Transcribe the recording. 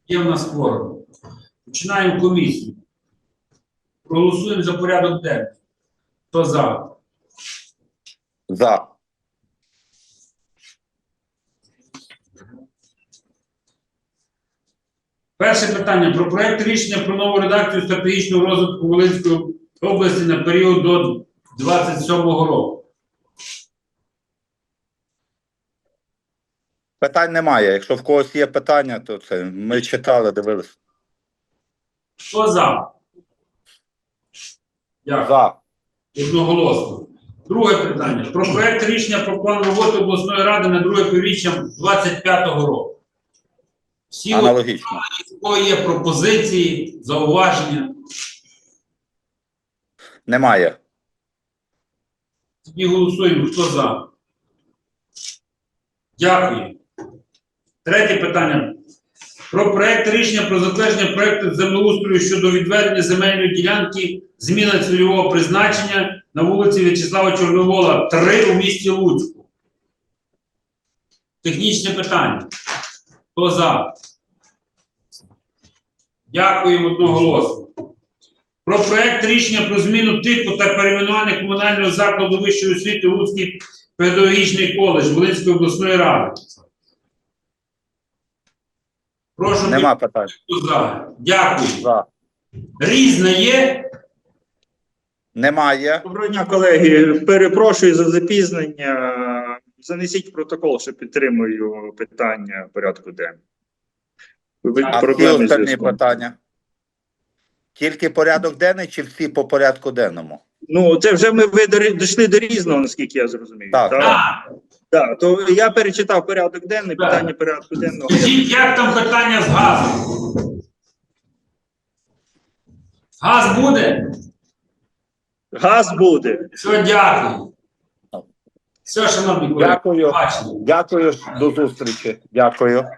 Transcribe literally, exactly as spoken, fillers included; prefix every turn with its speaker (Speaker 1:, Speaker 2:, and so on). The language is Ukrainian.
Speaker 1: Є в нас кворум. Починаємо комісію. Проголосуємо за порядок денний. Хто за?
Speaker 2: За.
Speaker 1: Перше питання. Про проект рішення про нову редакцію стратегічного розвитку Волинської області на період до двадцять сьомого року.
Speaker 2: Питань немає. Якщо в когось є питання, то це ми читали, дивилися.
Speaker 1: Хто за? Дякую.
Speaker 2: За.
Speaker 1: Одноголосно. Друге питання. Про проект рішення про план роботи обласної ради на друге півріччя двадцять п'ятого року. Всі
Speaker 2: Аналогічно.
Speaker 1: у кого є пропозиції, зауваження?
Speaker 2: Немає.
Speaker 1: Тоді голосуємо. Хто за? Дякую. Третє питання. Про проект рішення про затвердження проекту землеустрою щодо відведення земельної ділянки, зміна цільового призначення на вулиці В'ячеслава Чорновола, три у місті Луцьку. Технічне питання. Хто за? Дякуємо одноголосно. Про проект рішення про зміну типу та перейменування комунального закладу вищої освіти Луцький педагогічний коледж Волинської обласної ради. Прошу.
Speaker 2: Нема питань.
Speaker 1: За. Дякую.
Speaker 2: За.
Speaker 1: Різне є?
Speaker 2: Немає.
Speaker 3: Доброго дня, колеги. Перепрошую за запізнення. Занесіть в протокол, що підтримую питання порядку денного.
Speaker 2: А всі остальні питання? Тільки порядок денний чи всі по порядку денному?
Speaker 3: Ну, це вже ми ви до- дійшли до різного, наскільки я зрозумів.
Speaker 2: Так.
Speaker 1: Так.
Speaker 3: Так, то я перечитав порядок денний,
Speaker 1: Так.
Speaker 3: питання порядку денного.
Speaker 1: Скажіть, як там питання з газом? Газ буде?
Speaker 3: Газ буде.
Speaker 1: Все, дякую. Все, шановні колеги.
Speaker 2: Дякую.
Speaker 1: Бачимо.
Speaker 2: Дякую. До зустрічі. Дякую.